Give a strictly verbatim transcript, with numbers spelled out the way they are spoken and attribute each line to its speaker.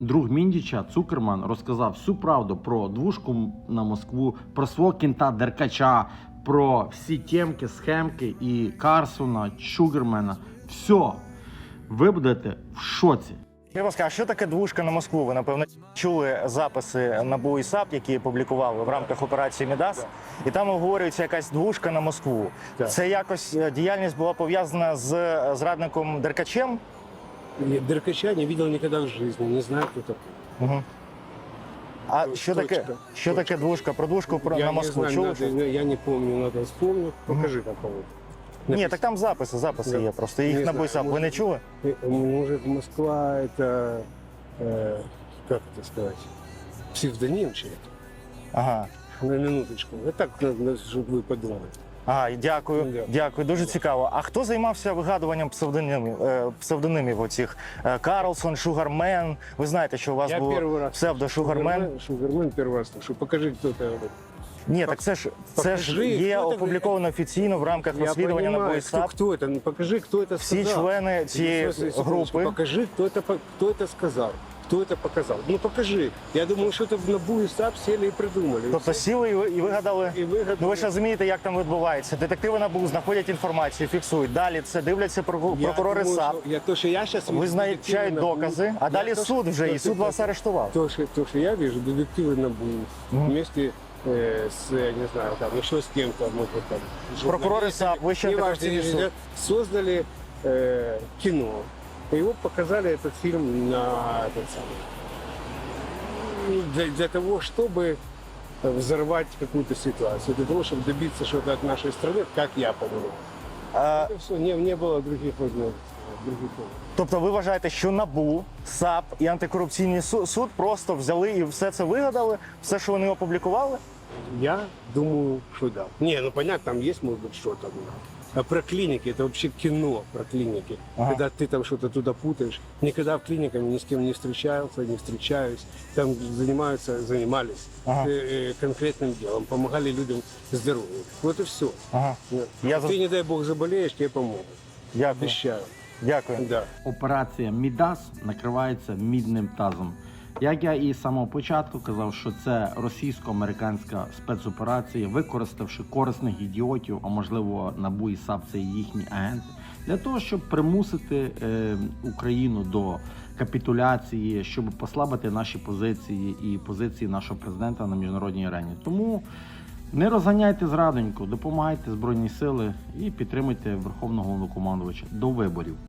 Speaker 1: Друг Міндіча Цукерман розказав всю правду про двушку на Москву, про свого кінта Деркача, про всі темки, схемки і Карсона, Шугермена. Все. Ви будете в шоці.
Speaker 2: Я вас кажу, а що таке двушка на Москву? Ви, напевно, чули записи НАБУ і САП, які публікували в рамках операції «Мідас», і там обговорюється якась двушка на Москву.
Speaker 3: Так.
Speaker 2: Це якось діяльність була пов'язана з зрадником Деркачем?
Speaker 3: Деркача не видел никогда в жизни, не знаю, кто такой.
Speaker 2: Угу. А
Speaker 3: Точка,
Speaker 2: що таке, що таке двушка? Про двушку про,
Speaker 3: я
Speaker 2: на
Speaker 3: не
Speaker 2: Москву
Speaker 3: знаю,
Speaker 2: чули?
Speaker 3: надо,
Speaker 2: щось?
Speaker 3: я не помню, надо вспомнить. Покажи там кого-то.
Speaker 2: Ні, так там записи, записи
Speaker 3: Да.
Speaker 2: є просто. Їх
Speaker 3: Не
Speaker 2: НАБУ і
Speaker 3: знаю,
Speaker 2: САП. Ви
Speaker 3: може-
Speaker 2: не чули?
Speaker 3: Э, Может, Москва это, э, как это сказать, псевдоним чей-то?
Speaker 2: Ага.
Speaker 3: На минуточку. Это так, чтобы вы подумали.
Speaker 2: Ага, дякую,
Speaker 3: Да.
Speaker 2: дякую, дуже цікаво. А хто займався вигадуванням псевдонімів, е, псевдонімів оцих? Е, Карлсон, Шугармен. Ви знаєте, що у вас
Speaker 3: Я
Speaker 2: було
Speaker 3: первый раз
Speaker 2: псевдо Шугармен?
Speaker 3: Шугармен, Шугармен первый раз слышу. Покажи, кто это.
Speaker 2: Ні, так це ж це ж
Speaker 3: Покажи,
Speaker 2: є
Speaker 3: хто це?
Speaker 2: опубліковано офіційно в рамках
Speaker 3: Я
Speaker 2: розслідування НАБУ і
Speaker 3: понимаю, кто,
Speaker 2: САП.
Speaker 3: кто это. Ну, покажи, кто это
Speaker 2: Всі
Speaker 3: сказал.
Speaker 2: члени цієї
Speaker 3: Ну, секундочку,
Speaker 2: групи.
Speaker 3: Покажи, кто это, по- кто это сказал. Кто это показал? Ну покажи. Я думаю, что это в НАБУ и САП сели и придумали.
Speaker 2: Тобто сіли і ви- і вигадали.
Speaker 3: І вигадали.
Speaker 2: Ну ви ж розумієте, як там відбувається. Детективи НАБУ знаходять інформацію, фіксують. Далі це дивляться прокурори
Speaker 3: Я
Speaker 2: прокурори
Speaker 3: думаю,
Speaker 2: САП.
Speaker 3: що- Я, то, что я сейчас
Speaker 2: Визначають докази, а далі суд вже, і суд вас арештував.
Speaker 3: То, что, то, что я вижу, детективы НАБУ вместе э, с, не знаю, там, еще с кем-то, может быть, там,
Speaker 2: Прокурори
Speaker 3: журналистами,
Speaker 2: САП, Вищий
Speaker 3: неважно,
Speaker 2: антикорупційний суд.
Speaker 3: ребят, создали э, кино. И его показали этот фильм на этот самый, ну, для, для того, чтобы взорвать какую-то ситуацию, для того, чтобы добиться что-то от нашей страны, как я понимаю.
Speaker 2: А,
Speaker 3: Это все, не, не было других возможностей. Других возможностей.
Speaker 2: Тобто ви вважаєте, що НАБУ, САП і антикорупційний су- суд просто взяли і все це вигадали, все, що вони опублікували?
Speaker 3: Я думаю, что да. Не, ну понятно, там есть, может быть, что-то. А про клиники, это вообще кино про клиники.
Speaker 2: Ага.
Speaker 3: Когда ты там что-то туда путаешь. Никогда в клиниках ни с кем не встречался, не встречаюсь. Там занимаются, занимались
Speaker 2: Ага.
Speaker 3: э, э, конкретным делом, помогали людям здоровью. Вот и все.
Speaker 2: Ага. Я за-
Speaker 3: Ты, не дай бог, заболеешь, тебе помогут.
Speaker 2: Дякую.
Speaker 3: Обещаю.
Speaker 2: Дякую.
Speaker 3: Да.
Speaker 1: Операція «Мідас» накривається мідним тазом. Як я і з самого початку казав, що це російсько-американська спецоперація, використавши корисних ідіотів, а можливо НАБУ і САП – це їхні агенти, для того, щоб примусити е, Україну до капітуляції, щоб послабити наші позиції і позиції нашого президента на міжнародній арені. Тому не розганяйте зрадоньку, допомагайте Збройні Сили і підтримуйте Верховного Головнокомандувача до виборів.